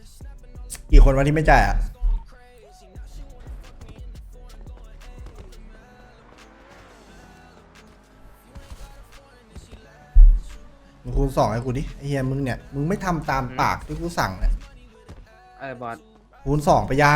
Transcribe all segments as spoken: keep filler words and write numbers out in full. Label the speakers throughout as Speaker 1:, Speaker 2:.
Speaker 1: กี่คนวันที่ไม่จ่ายอ่ะมึงคูณสองให้กูดิไอ้เฮียมึงเนี่ยมึงไม่ทำตามปากที่กูสั่งเนี่ย
Speaker 2: ไอ้บอส
Speaker 1: คูณสองไปยัง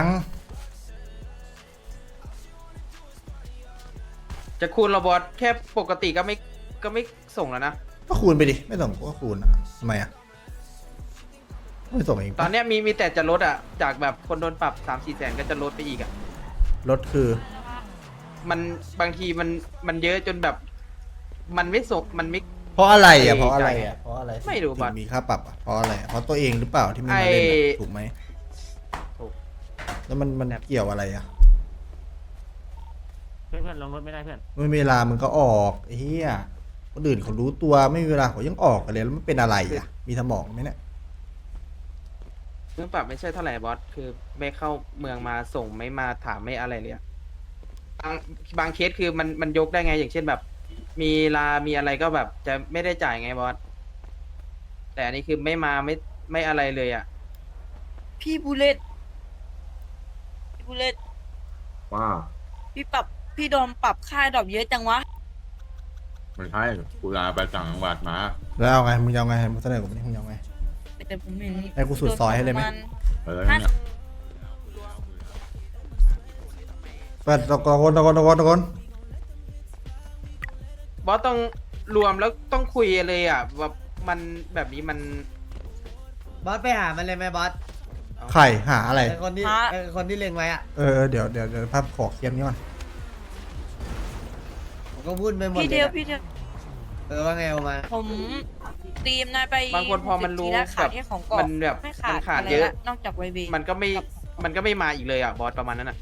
Speaker 2: จะคูณเราบอสแค่ปกติก็ไม่ก็ไม่ส่งแล้วนะ
Speaker 1: ก็คูณไปดิไม่ส่งก็คูณอ่ะทำไมอ่ะไม่ส่งเองปะ
Speaker 2: ตอนเนี้ยมีมีแต่จะลดอ่ะจากแบบคนโดนปรับสามสี่แสนก็จะลดไปอีกอ่ะ
Speaker 1: รถคือ
Speaker 2: มันบางทีมันมันเยอะจนแบบ มันไม่ส่งมันไม่
Speaker 1: เพราะอะไรอ่ะ
Speaker 2: ไอ้
Speaker 1: เพราะอะไร
Speaker 2: จ่าย
Speaker 1: อ่ะเพราะอะไร
Speaker 2: ไม่รู้
Speaker 1: ถึ
Speaker 2: บัตร
Speaker 1: งมีค่าปรับอ่ะเพราะอะไรอ่ะเพราะตัวเองหรือเปล่าที่ไม่มาเล่น
Speaker 2: ไอ้
Speaker 1: อ่ะถูกไหม
Speaker 2: ถูก
Speaker 1: แล้วมันมันเกี่ยวอะไรอ่ะ
Speaker 3: เพื่อนเพื่อนลงรถไม่ได้เพื่อน
Speaker 1: ไม่มีเวลามึงก็ออกไอ้เหี้ยคนอื่นเขารู้ตัวไม่มีเวลาเขายังออกกันเลยแล้วมันเป็นอะไรอ่ะมีสมองไหมเนี่ย
Speaker 2: เรื่องปรับไม่ใช่เท่าไหร่บอสคือไม่เข้าเมืองมาส่งไม่มาถามไม่อะไรเลยอะบางบางเคสคือมันมันยกได้ไงอย่างเช่นแบบ มีลา มีอะไรก็แบบจะไม่ได้จ่ายไงบอสแต่อันนี้คือไม่มาไม่ไม่อะไรเลยอ่ะ
Speaker 4: พี่บูเลตพี่บูเลต
Speaker 5: ว่า
Speaker 4: พี่ปรับพี่โดนปรับค่าดอกเยอะจังวะ
Speaker 5: ไม่ใช่กูลาไปต่างจังหวัดมา
Speaker 1: แล้วเอาไงมึงจะเอาไงมึงเสนอกูไม่มึงจะเอาไง
Speaker 4: แต่ผมเห็น
Speaker 1: ให้กูสุดซอยให้เลยไหม
Speaker 4: โดนป
Speaker 5: เออ
Speaker 4: ระมาณห้า
Speaker 5: เนี่ย
Speaker 1: เปิดตะโกนตะโกนตะโกนตะโกน
Speaker 2: บอสต้องรวมแล้วต้องคุยเลยอ่ะแบบมันแบบนี้มัน
Speaker 6: บอสไปหามันเลยไหมบอส
Speaker 1: ไข่หาอะไร
Speaker 6: ไอคนที่ไอคนที่เล็งไว้อะ
Speaker 1: เออเดี๋ยวเดี๋ยวเดี๋ยวภาพขอเคลียร์นี้ก่อน
Speaker 6: ผมก็พูดไปหมด
Speaker 4: พี่
Speaker 6: เล
Speaker 4: เดี
Speaker 6: ย
Speaker 4: ยว
Speaker 6: อะ
Speaker 4: พี่เดียว
Speaker 6: เออว่าไงออกมา
Speaker 4: ผมตีมนายไป
Speaker 2: บางคนพอมันรู้
Speaker 4: ทีละขา
Speaker 2: แบ
Speaker 4: ด
Speaker 2: บ
Speaker 4: แค่ของกรอ
Speaker 2: มั
Speaker 4: บ
Speaker 2: นแบบ
Speaker 4: ไม่ขา
Speaker 2: มั
Speaker 4: ด
Speaker 2: นขาด
Speaker 4: อะไร
Speaker 2: เยอะ
Speaker 4: ละนอกจากไวเบ
Speaker 2: มันก็ไม่มันก็ไม่มาอีกเลยอ่ะบอสประมาณนั้นอ่ะ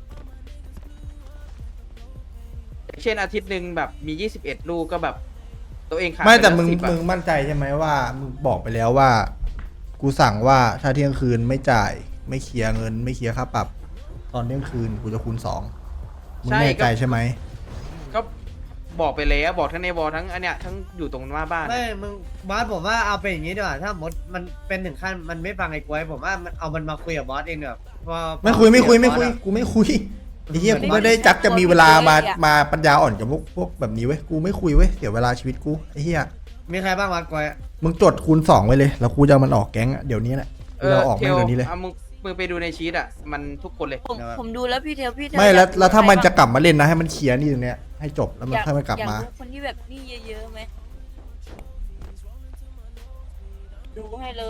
Speaker 2: เช่นอาทิตย์หนึ่งแบบมียี่สิบเอ็ดลูกก็แบบ ตัวเองขาด
Speaker 1: ไม่แต่
Speaker 2: ปล้ว
Speaker 1: มึง
Speaker 2: สิบอะ
Speaker 1: มึงมั่นใจใช่ไหมว่ามึงบอกไปแล้วว่า กูสั่งว่าถ้าเที่ยงคืนไม่จ่าย ไม่เคลียร์เงิน ไม่เคลียร์ค่าปรับ ตอนเที่ยงคืนกูจะคูณสองมึงแน่ใจใช่ไหม
Speaker 2: ก็บอกไปแล้วบอกทั้งในบอทั้งอันเนี้ยทั้งอยู่ตรงหน้าบ้าน
Speaker 6: ไม่มึงบอสผมว่าเอาเป็นอย่างนี้ดีกว่าถ้ามดมันเป็นถึงขั้นมันไม่ฟังไอ้กล้วยผมว่ามันเอามันมาคุยกับบอสเองเถอะเพราะ
Speaker 1: ไม่คุยไม่คุยไม่คุย
Speaker 6: บอสอะ
Speaker 1: กูไม่คุยไอ้เหี้ยกูไม่ได้จักจะมีเวลามามาปัญญาอ่อนกับพวกพวกแบบนี้เว้ยกูไม่คุยเว้ยเสียเวลาชีวิตกูไอ้เหี้ย
Speaker 6: มีใครบ้างวะกล้วย
Speaker 1: มึงจดคูณสองไว้เลยแล้วกูจะเอามันออกแก๊งอะเดี๋ยวนี้แหละกูจะเอาออก
Speaker 2: เท
Speaker 1: ไม่
Speaker 2: ล
Speaker 1: เดี๋ยวนี้เลย
Speaker 2: เอามึงมึงไปดูในชีตอ่ะมันทุกคนเลย
Speaker 4: ผมผมดูแล้วพี่เทลพี่เทล
Speaker 1: ไม่แล้ว
Speaker 4: อยก
Speaker 1: แล้วถ้า
Speaker 4: รู้
Speaker 1: มันจะ
Speaker 4: ใคร
Speaker 1: กลับมาเล่นนะให้มันเคลียร์นี่ตรงเนี้ยให้จบแล้วมัน
Speaker 4: อยาก
Speaker 1: ค่อยมากลับ
Speaker 4: อยาก
Speaker 1: มา
Speaker 4: รู้คนที่แบบนี่เยอะๆไหมดูให้เลย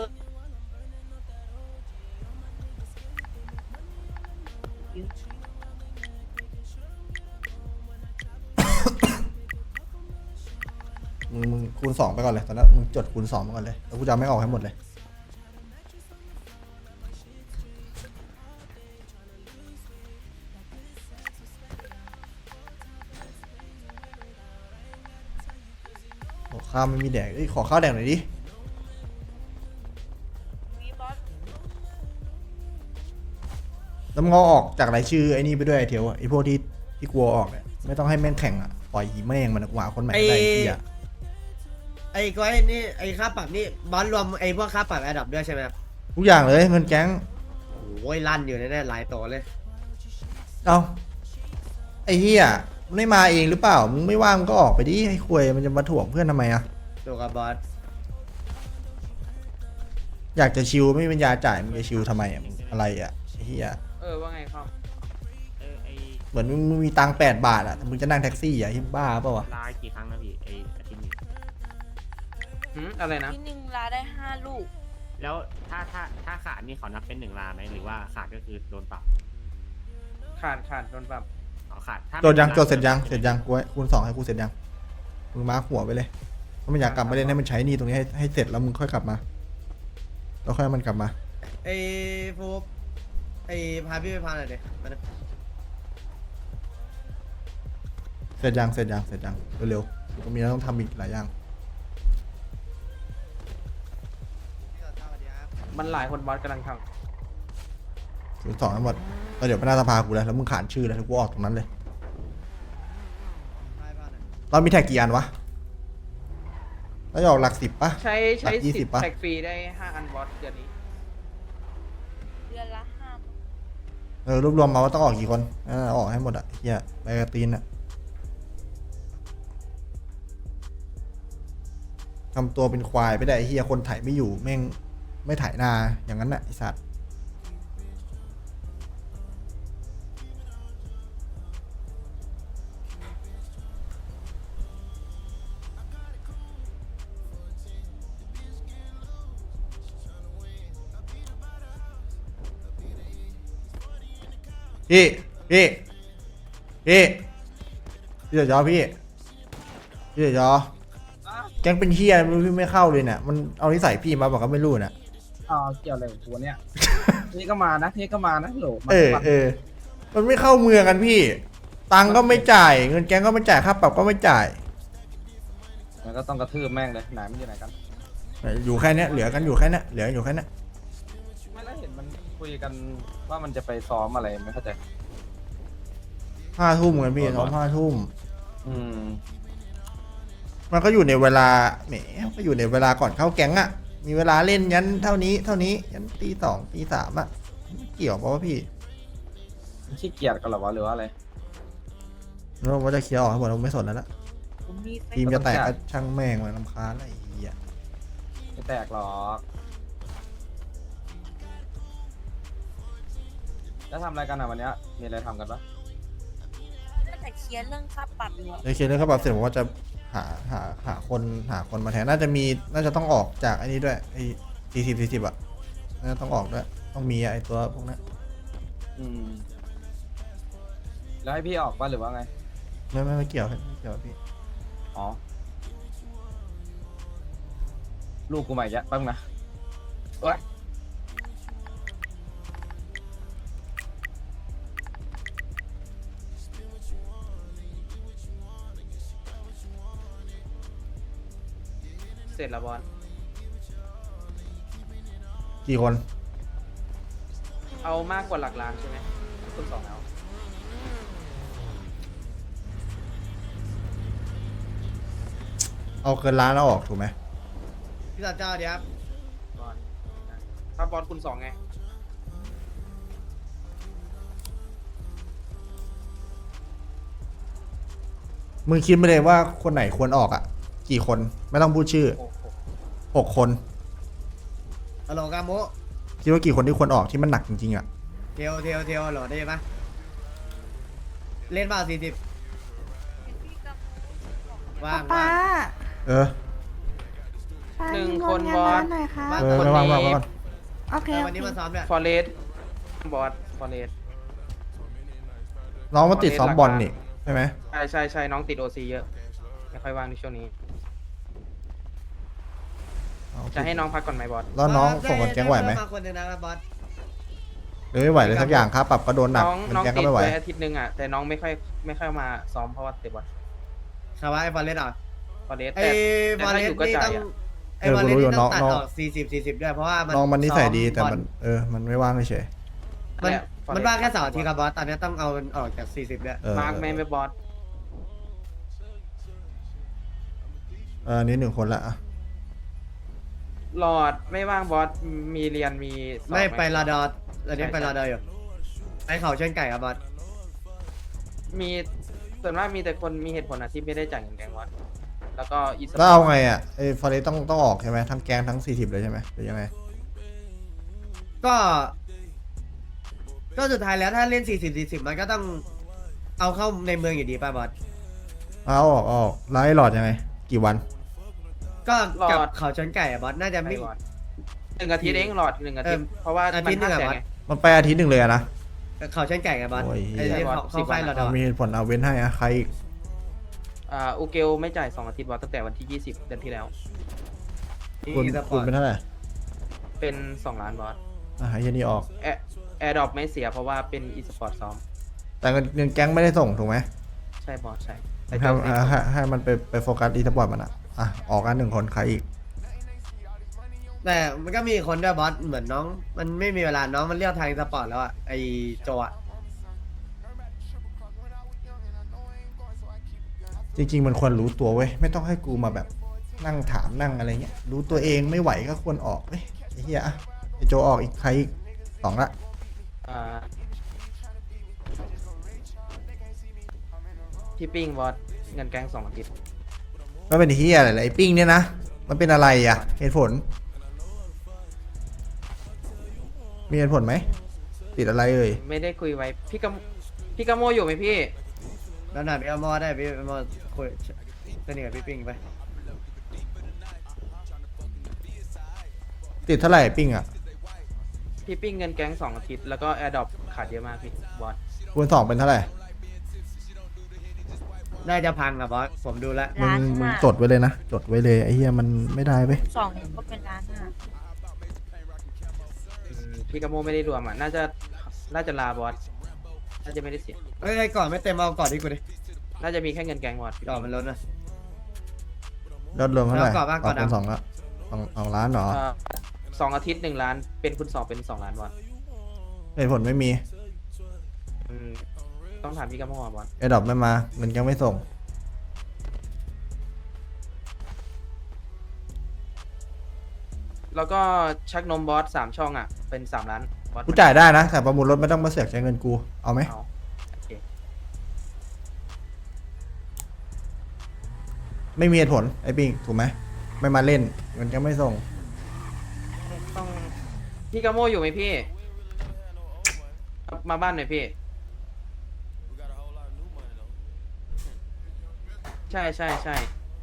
Speaker 1: มึงมึงคูณสองไปก่อนเลยตอนนั้นมึงจดคูณสองไปก่อนเลยแล้วกูจะเอาไม่ออกให้หมดเลยโอ้ข้าวไม่มีแดกเอ้ยขอข้าวแดกหน่อยดิ
Speaker 4: มีบอส
Speaker 1: แล้วมึงเอาออกจากรายชื่อไอ้นี่ไปด้วยไอ้เทียวอะไอ้พวกที่ที่กลัวออกเนี่ยไม่ต้องให้แม่งแข่งอ่ะปล่อยหีแม่งมันกว่าคนใหม่ก็ได้ไอ้เหี้ย
Speaker 6: ไอ้กล้วยนี่ไอ้ค่าปรับนี่บอสรวมไอ้พวกค่าปรับแอดดับด้วยใช่ไหมครับ
Speaker 1: ทุกอย่างเลยเงินแก๊ง
Speaker 6: โอ้ยลั่นอยู่แน่ๆหลายตัวเลย
Speaker 1: เอาไอ้เหี้ยมันไม่มาเองหรือเปล่ามึงไม่ว่างมึงก็ออกไปดิให้คุยมันจะมาถ่วงเพื่อนทำไมอ่ะ
Speaker 6: ตัวกับบอส
Speaker 1: อยากจะชิวไม่มีปัญญาจ่ายมึงจะชิวทำไมอ่ะมึงอะไรอ่ะไอ้เหี้ย
Speaker 2: เออว่าไงครับ
Speaker 3: เออไอ
Speaker 1: เหมือนมึงมึงมีตังค์แปดบาทอ่ะแต่มึงจะนั่งแท็กซี่อ่ะที่บ้าเปล่าวะ
Speaker 3: ลากี่ครั้งนะพี่ไออาทิตย์นี้
Speaker 2: หืมอะไรนะ
Speaker 4: พี่หนึ่งลาได้ห้าลูก
Speaker 3: แล้วถ้าถ้าถ้าขาดนี่เขานับเป็นหนึ่งลาไหมหรือว่าขาดก็คือโดนปรับ
Speaker 2: ขาดขาดโดนปรับ
Speaker 3: อ๋อขาดถ้า
Speaker 1: จดยัง
Speaker 3: ไม่
Speaker 1: จดเสร็จยังเสร็จยังกูให้คูณสองให้กูเสร็จยังมึงมาร์คหัวไปเลยถ้ามันอยากกลับมาเล่นให้มันใช้หนี่ตรงนี้ให้ให้เสร็จแล้วมึงค่อยกลับมาแล้วค่อยให้มันกลับมา
Speaker 6: ไอ้ฟูบไอ้พาพี่ไปพาหน่อยดิมาดิ
Speaker 1: เสร็จยังเสร็จยังเสร็จยังเร็วๆก็มีแล้วต้องทำอีกหลายอย่าง
Speaker 2: มันหลายคนบอสกำลังท
Speaker 1: คูณสองทั้งหมดแล้วเดี๋ยวไปหน้าสภากูแล้วแล้วมึงขานชื่อแล้วกูออกตรงนั้นเลย
Speaker 6: พาไปพาหน่อย
Speaker 1: เรามีแท็กกี่อันวะเราจะออกหลักสิบปะ
Speaker 2: ำใช้ใช้
Speaker 1: หลักยี่
Speaker 2: สิ
Speaker 1: สิ
Speaker 2: บบ
Speaker 1: ปะ
Speaker 2: แท็กฟรีได้ห้าอันบอสเดือนนี้
Speaker 4: เดือนละห้า
Speaker 1: เออรวบรวมมาว่าต้องออกกี่คนนั่นน่ะออกให้หมดอ่ะเฮียใบกระตีนอ่ะทำตัวเป็นควายไปได้ไอ้เฮียคนไถไม่อยู่แม่งไม่ไถนาอย่างนั้นน่ะไอสัตว์พี่พี่พี่พี่เดี๋ยวจอพี่พี่เดี๋ยวจอแก๊งเป็นเฮียไม่รู้พี่ไม่เข้าเลยเนี่ยมันเอานิสัยพี่มาบอกก็ไม่รู้น่ะ
Speaker 2: อ๋อเกี่ยวอะไรกับตัวเนี้ย นี่ก็มานะนี่ก็มานะโหลมา
Speaker 1: เออเออมันไม่เข้าเมืองกันพี่ ตังค์ก็ไม่จ่าย เงินแก๊งก็ไม่จ่ายค่าปรับก็ไม่จ่าย
Speaker 2: มันก็ต้องกระทืบแม่งเลยไหนมันอยู่ไหนกัน
Speaker 1: อยู่แค่เนี้ยเหลือกันอยู่แค่เนี้ยเหลืออยู่แค่เนี้ย
Speaker 2: ไม่แล้วเห็นมันคุยกันว่ามันจะไปซ้อมอะไรไม่เข้าใจ
Speaker 1: ห้าทุ่มกันพี่ซ้อมห้าทุ่ม
Speaker 2: อืม
Speaker 1: มันก็อยู่ในเวลาแหมก็อยู่ในเวลาก่อนเข้าแก๊งอะมีเวลาเล่นยันเท่านี้เท่านี้ยันตีสองตีสามอะไม่เกี่ยวเพราะว่าพี่
Speaker 2: ขี้เกียจกันเหรอวะหรือว่าอะไร
Speaker 1: เราว่าจะเคลียร์ออกให้หมดเราไม่สนแล้วละ
Speaker 4: ผมมีไฟ
Speaker 1: ทีมจะแตกก็ช่างแม่งมันลำคาญอะไรเหี้ย
Speaker 2: ไม่แตกหรอกแล้วทำอะไรกันอ่ะวันเนี้ยมีอะไรทำกันปะ
Speaker 4: ก็แต่เคลียร์เรื่องค่าปรับอยู่อะ
Speaker 1: ในเคลียร์เรื่องค่าปรับเสร็จผมว่าจะหาหาหาคนหาคนมาแทนน่าจะมีน่าจะต้องออกจากไอ้นี้ด้วยไอ้สี่สิบสี่สิบอะน่าจะต้องออกด้วยต้องมีไอ้ตัวพวกนั้น
Speaker 2: อืมแล้วให้พี่ออกป่ะหรือว่าไง
Speaker 1: ไม่ไม่ไม่เกี่ยวไม่เกี่ยวพี่
Speaker 2: อ๋อ ลูกกูใหม่แยะแป๊บนึงนะเอ้ยเสร็จแล้วบอล
Speaker 1: กี่คน
Speaker 2: เอามากกว่าหลักล้านใช่ไหมคุณสองเอา
Speaker 1: เอาเกินล้านแล้วออกถูกไหม
Speaker 6: พี่สัตว์เจ้าเดี๋ยวครับ
Speaker 2: บอลถ้าบอลคุณสองไง
Speaker 1: มึงคิดไม่เลยว่าคนไหนควรออกอ่ะ กี่คนไม่ต้องพูดชื่อ
Speaker 2: โอ้โห
Speaker 1: หกคน
Speaker 6: ฮัลโหลกาโมะ
Speaker 1: คิดว่ากี่คนที่ควรออกที่มันหนักจริงๆอ่ะ
Speaker 6: เทลเทลเทลฮัลโหลได้ปะเล่นเปล่าสี่สิบว่าง
Speaker 7: ป้า
Speaker 6: ว่าง
Speaker 1: เออ
Speaker 7: ป้า
Speaker 2: หนึ่ง
Speaker 7: มี
Speaker 2: คน
Speaker 7: งาน
Speaker 2: บอส
Speaker 7: ร้านหน่อยค่ะ
Speaker 6: ว่าง
Speaker 1: เออ
Speaker 6: คน
Speaker 1: ไม่ว่าง
Speaker 6: นี้
Speaker 1: ว่างว่าง
Speaker 7: โอเค
Speaker 6: เออ
Speaker 7: โอ
Speaker 6: วันนี้
Speaker 7: เค
Speaker 6: มาซ้อมเนี่ย
Speaker 2: ฟอเรสบอสฟอเรส
Speaker 1: น้องมาติดซ้อมบอลนี่ใช่ไหม
Speaker 2: ใช่ใช่ใช่น้องติดโอซีเยอะ ไม่ค่อยว่างในช่วงนี้ จะให้น้องพักก่อนไหมบอส
Speaker 1: แล้วน้องส่งคนแก๊งไหวไหม
Speaker 6: มาคนหนึงนะครับบอส
Speaker 1: หรือไม่ไหวเลยสักอย่างค่าปรับก็โดนหนัก
Speaker 2: น้อง
Speaker 1: เงิน
Speaker 2: น้อง
Speaker 1: แก๊ง
Speaker 2: ติ
Speaker 1: ก็
Speaker 2: ด
Speaker 1: ไม่ไหว
Speaker 2: ไว้อาทิตย์หนึงอ่ะ แต่น้องไม่ค่อยไม่ค่อยมาซ้อมเพราะว่าเตะบอล
Speaker 6: คาวะไอ้ฟอร์เรสต์อ่ะ
Speaker 2: ฟอเรส
Speaker 6: ไอ้
Speaker 2: แต่
Speaker 6: ฟอร์เรส
Speaker 2: อยู่
Speaker 6: ต์
Speaker 2: ก็
Speaker 6: นี่
Speaker 2: จ่าย
Speaker 6: ต้อง
Speaker 2: อะ
Speaker 6: ไอ้ฟอร์เรสต์นี่ต้องตัด
Speaker 1: น้อง
Speaker 6: ออกสี่สิบสี่สิบด้วยเพราะว่ามัน
Speaker 1: น้องมันนิสัยดี
Speaker 6: ซ้อ
Speaker 1: แต่มัน
Speaker 6: บอล
Speaker 1: เออมันไม่ว่างเฉย
Speaker 6: มัน
Speaker 2: เนี่ย Forest
Speaker 6: มันว่างแค่เสาร์อาทิตย์ครับบอสตอนนี้ต้องเอามันออกจากสี่สิบด้วย
Speaker 1: เออ
Speaker 2: มาร์กแมนไปบอส
Speaker 1: เออนี่หนึ่งคนละอ่ะ
Speaker 2: หลอดไม่ว่างบอส มีเรียนมีสอบ
Speaker 6: ไม่
Speaker 2: ห
Speaker 6: ไปลาดอร์ตอนนี้
Speaker 2: ใช่
Speaker 6: ไปลาดอร์อยู่ไอ้เขาเชิญไก่ครับบอส
Speaker 2: มีส่วนมากมีแต่คนมีเหตุผลอะที่ไม่ได้จ่ายเงินแกงบอส แล้วก็อีสป
Speaker 1: แล้ว
Speaker 2: อ
Speaker 1: เอา
Speaker 2: ร์ต
Speaker 1: ไงอ่ะไอ้ฟอเรสต้องต้องออกใช่ไหมทั้งแก๊งทั้งสี่สิบเลยใช่ไหมหรือยังไง
Speaker 6: ก็ ก็สุดท้ายแล้วถ้าเล่นสี่สิบสี่สิบมันก็ต้องเอาเข้าในเมืองอยู่ดีป่ะบอส
Speaker 1: เอาออกเอาออกแล้วไอ้หลอดยังไง กี่วัน
Speaker 6: ก็กับเขาชนไก่อะบอสน่าจะไม่
Speaker 2: ไม่บอสหนึ่งอาทิตย์เองหลอดหนึ่งอาทิตย์
Speaker 6: เออ
Speaker 2: เพราะว่า
Speaker 6: อาทิ
Speaker 2: มั
Speaker 6: ต
Speaker 2: น
Speaker 6: ย์หนึ่
Speaker 2: ห้าง
Speaker 6: อะ
Speaker 2: แสน
Speaker 6: บอส
Speaker 2: ไง
Speaker 1: มันไปอาทิตย์หนึ่งเลยอะนะ
Speaker 6: เขาชนไก่อะบอส
Speaker 1: โอ้ย
Speaker 6: ไอ้
Speaker 2: ใช่
Speaker 6: ที่
Speaker 2: บอส
Speaker 6: เขาเขาไฟ
Speaker 2: สิบวัน
Speaker 6: ลาดอ
Speaker 1: เอา
Speaker 6: ร์
Speaker 1: มีเหตุผลเอาเว้นให้อะใครอีก
Speaker 2: อ่าอูเกลไม่จ่ายสองอาทิตย์บอสตั้งแต่วันที่ยี่สิบเดือนที่แล้ว
Speaker 1: คุณ
Speaker 6: อีสป
Speaker 1: คุ
Speaker 6: อ
Speaker 1: ณ
Speaker 6: ร์ต
Speaker 1: เป็นเท่าไหร่
Speaker 2: เป็นสองล้านบอส
Speaker 1: อ่ะให้ยันนี่ออก
Speaker 2: แอร์แอร์ดรอปไม่เสียเพราะว่าเป็นอีสปอร์ตซ้อม
Speaker 1: แต่เงินเงินแก๊งไม่ได้ส่งถูกไหม
Speaker 2: ใช่บอสใช่แต่
Speaker 1: ให้
Speaker 2: เจ้าเซ็น
Speaker 1: ให้ให้มันไปไปโฟกัสอีสปอร์ตมันอ่ะอ่ะออกกันหนึ่งคนใครอีก
Speaker 6: แต่มันก็มีคนด้วยบอสเหมือนน้อง มันไม่มีเวลาน้องมันเลือกทางอีสปอร์ตแล้วอะไอโจอะ
Speaker 1: จริงๆมันควรรู้ตัวเว้ยไม่ต้องให้กูมาแบบนั่งถามนั่งอะไรเงี้ยรู้ตัวเองไม่ไหวก็ควรออกเว้ยไอ้เหี้ยอะไอ้โจออกอีกใครอีกสองละ
Speaker 2: อ่าพี่ปิ้งบอสเงินแกงสองอาทิตย์
Speaker 1: ก็เป็นที่อะไรไอ้ปิ้งเนี่ยนะมันเป็นอะไรอ่ะเหตุผล มีเหตุผลไหมติดอะไรเอ่ย
Speaker 2: ไม่ได้คุยไว้พี่กมพี่กมโมอยู่ไหมพี่
Speaker 6: แล้วหน่อยพี่เอามอได้พี่เอามอคุยสนิทกับพี่ปิงไป
Speaker 1: ติดเท่าไหร่ไอ้ปิ้งอ่ะ
Speaker 2: พี่ปิ้งเงินแกงสองอาทิตย์แล้วก็แอร์ดรอปขาดเยอะมากพี่บอส
Speaker 1: คูณสองเป็นเท่าไหร่
Speaker 6: น่าจะพังอะบอสผมดูแล้ว
Speaker 1: มึง
Speaker 7: ล้าน
Speaker 1: มึง
Speaker 7: ห้า
Speaker 1: จดไว้เลยนะจดไว้เลยไอ้เหี้ยมันไม่ได้ไป
Speaker 7: สองเนี่ยก็เป็นล้านห้า
Speaker 2: อืมพี่กมโมไม่ได้รวมอ่ะน่าจะน่าจะลาบอสน่าจะไม่ได้เสีย
Speaker 6: เอ้ยไอ้ก่อนไม่เต็มเอาก่อนที่กูดิ
Speaker 2: น่าจะมีแค่เงินแกงบอส
Speaker 6: ก่อนมันล้นอะ
Speaker 1: ยอดรวมเท่าไหร่
Speaker 6: แล้วก่อนบ้างก่อน
Speaker 1: คูณ
Speaker 6: ดำ
Speaker 1: สองละสองสองล้านเหรอ
Speaker 2: เอ่อสองอาทิตย์หนึ่งล้านเป็นคุณสองเป็นสองล้านบอส
Speaker 1: เหตุผลไม่มี
Speaker 2: อืมต้องถามพี่กมโมอ่ะบอส
Speaker 1: ไอ้ดอกไม่มาเงินยังไม่ส่ง
Speaker 2: แล้วก็ชักนมบอสสามช่องอ่ะเป็นสามล้านบอส
Speaker 1: กูจ่ายได้นะแต่ประมูลรถไม่ต้องมาเสือกใช้เงินกูเอาไหม
Speaker 2: เอาโอเค
Speaker 1: ไม่มีเหตุผลไอ้ปิ้งถูกไหมไม่มาเล่นเงินยังไม่ส่ง
Speaker 2: ต้องพี่กมโมอยู่ไหมพี่ มาบ้านหน่อยพี่ ใช่ใช่ใช่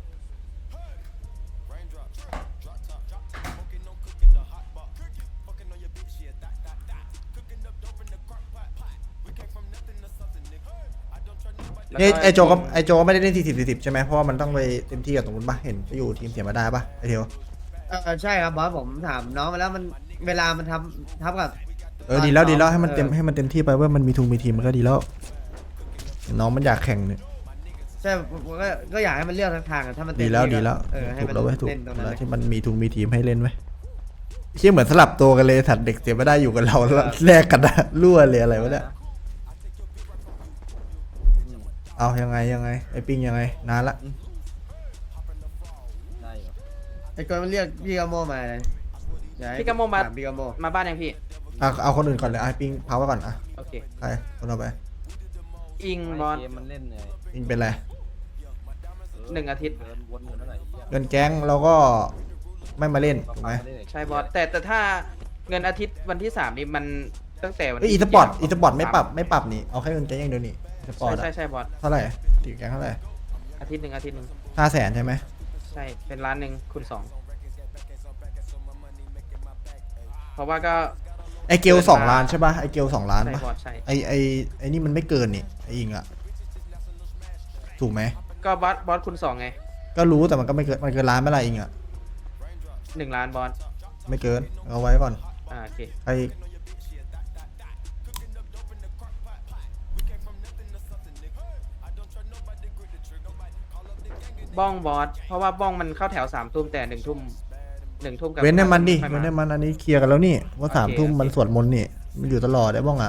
Speaker 1: นี่ไอโจก็ไอโจก็ไม่ได้เล่นสี่สิบสี่สิบใช่ไหมเพราะว่ามันต้องไปเต็มที่กับตรงนู้นปะเห็นไปอยู่ทีมเสียมาได้ปะไอเทียว
Speaker 6: เออใช่ครับบอสผมถามน้องมาแล้วมันเวลามันทำทับกับ
Speaker 1: เออดีแล้วดีแล้วให้มัน
Speaker 6: เออ
Speaker 1: เต็มให้มันเต็มที่ไปว่ามันมีทุงมีทีมมันก็ดีแล้วน้องมันอยากแข่งเนี่ย
Speaker 6: ใช่ผมก็ก็อยากให้มันเลือกทางทางอะถ้ามันเต็ม
Speaker 1: ดีแล้ว
Speaker 6: ที่ก็
Speaker 1: ดีแล้ว
Speaker 6: เออให้
Speaker 1: ถูก
Speaker 6: มัน
Speaker 1: แล้วเว้ยถูก
Speaker 6: เล่นตรงนั้น
Speaker 1: แล้ว
Speaker 6: เลย
Speaker 1: ที่มันมีทุงมีทีมให้เล่นไหมเชี่ยเหมือนสลับตัวกันเลยถัดเด็กเสียไม่ได้อยู่กับเราแล้วแลกกันนะรั่วเลยอะไรวะเนี่ยเอายังไงยังไงไอปิ้งยังไงนานละ
Speaker 6: ไอ้กอนมันเรียกพี่กาโมมาเลยอยให้
Speaker 2: พี่กมโมมา
Speaker 6: ถพี่กาโม
Speaker 2: มาบ้านยังพี่
Speaker 1: อ่ะเอาคนอื่นก่อนเลยไอปิ้งพาไว้ก่อนอ่ะ
Speaker 2: โอเค
Speaker 1: ใครคนเอาไป
Speaker 2: อิงบอส
Speaker 1: ปิ้งเป็นไร
Speaker 2: หนึ่งอาทิตย์
Speaker 1: เงินแก๊งเราก็ไม่มาเล่นถูกไหม
Speaker 2: ใช่บอสแต่แต่ถ้าเงินอาทิตย์วันที่สามนี่มันตั้งแต่วัน
Speaker 1: เอ้ยอีสปอร์ตอีสปอร์ตไม่ปรับไม่ปรับนี่เอาแค่เงินแก๊งอย่างเดียวนี่อีสปอร์ต
Speaker 2: ใช่ใช่ใช่บอส
Speaker 1: เท่าไหร่ตีแก๊งเท่าไหร่
Speaker 2: อาทิตย์หนึ่งอาทิตย์หนึ่ง
Speaker 1: ห้าแสนใช่ไหม
Speaker 2: ใช่เป็นล้านหนึ่งคูณสองเพราะว่าก็
Speaker 1: ไอเกลสองล้านใช่ป่ะไอเกลสองล้าน
Speaker 2: ใช่
Speaker 1: ป่ะ
Speaker 2: บอสใช่
Speaker 1: ไอไอไอนี่มันไม่เกินนี่ไออิงอะถูกไหม
Speaker 2: ก็บอสบอสคูณสองไง
Speaker 1: ก็รู้แต่มันก็ไม่เกินมันเกินล้านไม่ไรอิงอะ
Speaker 2: หนึ่งล้านบอส
Speaker 1: ไม่เกินเอาไว้ก่อน
Speaker 2: อ่าโอเค
Speaker 1: ไอ
Speaker 2: บ้องบอสเพราะว่าบ้องมันเข้าแถวสามทุ่มแต่หนึ่งทุ่มหนึ่งทุ่มกับ
Speaker 1: เว้นให้มันดิ
Speaker 2: ค่อย
Speaker 1: เว้นให้มันอันนี้เคลียร์กันแล้วนี่ว่าสาม
Speaker 2: โอเค
Speaker 1: ทุ่ม
Speaker 2: โอเค
Speaker 1: มันสวดมนต์นี่มันอยู่ตลอดได้บ้องอะ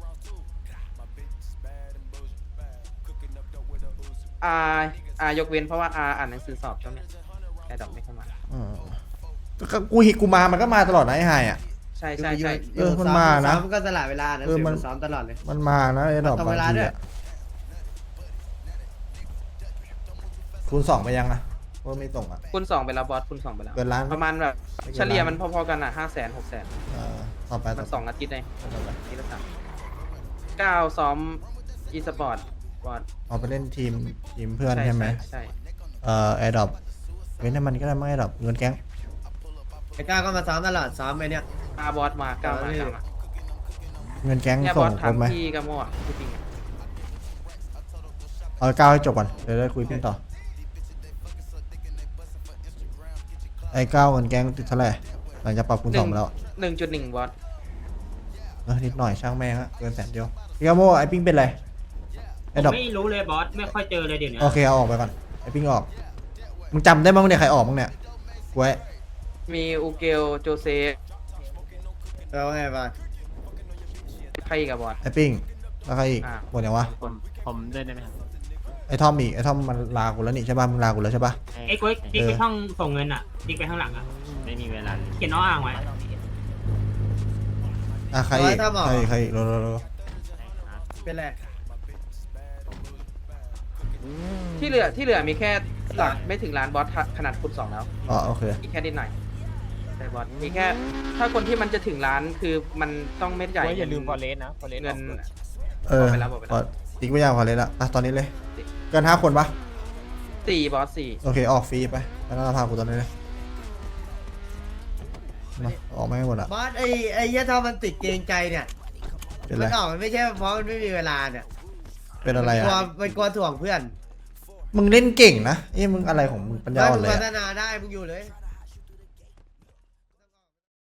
Speaker 2: อ่าอ่ายกเว้นเพราะว่าอาอ่านหนังสือสอบช่วงเนี้ยแต่ดอกไม่เข้ามา
Speaker 1: อืมก็กูหิกูมามันก็มาตลอดนะไอไฮอะ
Speaker 2: ใช่ใช่ใช่
Speaker 1: เออมันมานะ
Speaker 6: ซ้อมันก็สละเวลานะ
Speaker 1: เออมัน
Speaker 6: ซ้อมตลอดเลย
Speaker 1: มันมานะไอดอก
Speaker 6: มัน
Speaker 1: บาง
Speaker 6: ทำเวลา
Speaker 1: ที
Speaker 6: ด้วย
Speaker 1: อะคูณสองไปยังอะว่าไม่ส่งอะ
Speaker 2: คูณสองไปแล้วบอสคูณสองไปแล้ว
Speaker 1: เกินล้าน
Speaker 2: ประมาณแบบ
Speaker 1: ไม่เกิน
Speaker 2: เฉลี่ย
Speaker 1: ล้าน
Speaker 2: มันพอๆกันอ่ะห้าแสนหกแสน
Speaker 1: เออต่อไป
Speaker 2: มั
Speaker 1: ต่อน ไป
Speaker 2: สองอาทิตย์เลยอาทิตย์ละสามเก้าซ้อมอีสปอร์ตบอส
Speaker 1: เอาไปเล่นทีมทีมเพื่อนใช่ไหม
Speaker 2: ใช่
Speaker 1: เอ่อแอร์ดรอปเว้นให้มันก็ได้ไม่แอร์ดรอปเงินแก๊ง
Speaker 6: ไอ้ก้าวก็มาซ้อมตลอดซ้อมไอ้เนี่ย
Speaker 2: อาบอสมาเก้ามาเก้ามา
Speaker 1: เงินแก๊ง
Speaker 2: เนี่ยบ
Speaker 1: ส่
Speaker 2: อง ส
Speaker 1: ครบไหม
Speaker 2: ทำที่กระโม่อะที่จริงอะ
Speaker 1: เอาก้าวให้จบก่อนเดี๋ยวได้คุยพี่ต่อไอ้ก้าวเงินแก๊งติดเท่าไหร่หลังจากปรับคูณสองมาแล้ว
Speaker 2: หนึ่งจุดหนึ่งบอส
Speaker 1: เออนิดหน่อยช่างแม่งอะเกินแสนเดียวพี่กาโมไอ้ปิ้งเป็นไรไอ้ดรอป
Speaker 8: ไม่รู้เลยบอส ไม่ค่อยเจอเลยเดี๋ยวนี้
Speaker 1: โอเคเอาออกไปก่อนไอ้ปิ้งออกมึงจำได้มั้งเนี่ยใครออกมั้งเนี่ยกูไว้
Speaker 2: มีอูเกลโจเซฟ
Speaker 6: เออว่าไงบ้าง
Speaker 2: ใครอีกับบอส
Speaker 1: ไอ้ปิ้งแล้วใครอีก
Speaker 2: อ่า
Speaker 1: หมดยังวะ
Speaker 3: ผมผมด้วยได้ไหมครับ
Speaker 1: ไอ้ทอมอีกไอ้ทอมมันลากูแล้วนี่ใช่ป่ะมึงลากูแล้วใช่ป่ะ
Speaker 8: ไอ้กุ้ยติ๊กไปช่องส่งเงินอ่ะติ๊กไปข้างหลังอ่ะ
Speaker 3: ไม่มีเวลาเลย
Speaker 8: เขียนน้ออ่างไว้
Speaker 1: อ่ะใครอีก
Speaker 6: ร้อยทำเหรอ
Speaker 1: ใครอีกใครอีกรอรอรอ
Speaker 6: เป็นไร
Speaker 2: ที่เหลือที่เหลือมีแค่หลักไม่ถึงล้านบอสขนาดคูณสองแล้ว
Speaker 1: อ๋อโอเค
Speaker 2: อีกแค่นิดหน่อยแต่บอสมีแค่ ถ้าคนที่มันจะถึงล้านคือมันต้องไม่จ่าย
Speaker 9: อย่าลืมฟอเรสนะฟอเรส
Speaker 2: เงิน
Speaker 1: เออ
Speaker 2: บอกไปแล้วบอกไปแล้ว
Speaker 1: พอติ๊กไม่ยาวพอเลยละอ่ะตอนนี้เลย เกินห้าคนปะ
Speaker 2: สี่บอสสี่
Speaker 1: โอเคออกฟรีไปแล้วพากูตอนนี้เลยมาออกไม่ให้หมดอ่ะ
Speaker 6: บอสไอ้ไอ้เหี้ยถ้ามันติดเกรงใจเนี่ย
Speaker 1: เป็นไร
Speaker 6: มันออกมันไม่ใช่เพราะมันไม่มีเวลาเนี่ย
Speaker 1: เป็นอะไร
Speaker 6: มันกลัว
Speaker 1: อ่ะ
Speaker 6: มันกลัวถ่วงเพื่อน
Speaker 1: มึงเล่นเก่งนะเอ้ยมึงอะไรของมึงปัญญา
Speaker 6: ถ้า
Speaker 1: อ่อ
Speaker 6: มึ
Speaker 1: น
Speaker 6: ง
Speaker 1: เลย
Speaker 6: พั
Speaker 1: อะ
Speaker 6: ฒนาได้มึงอยู่เลย
Speaker 1: เ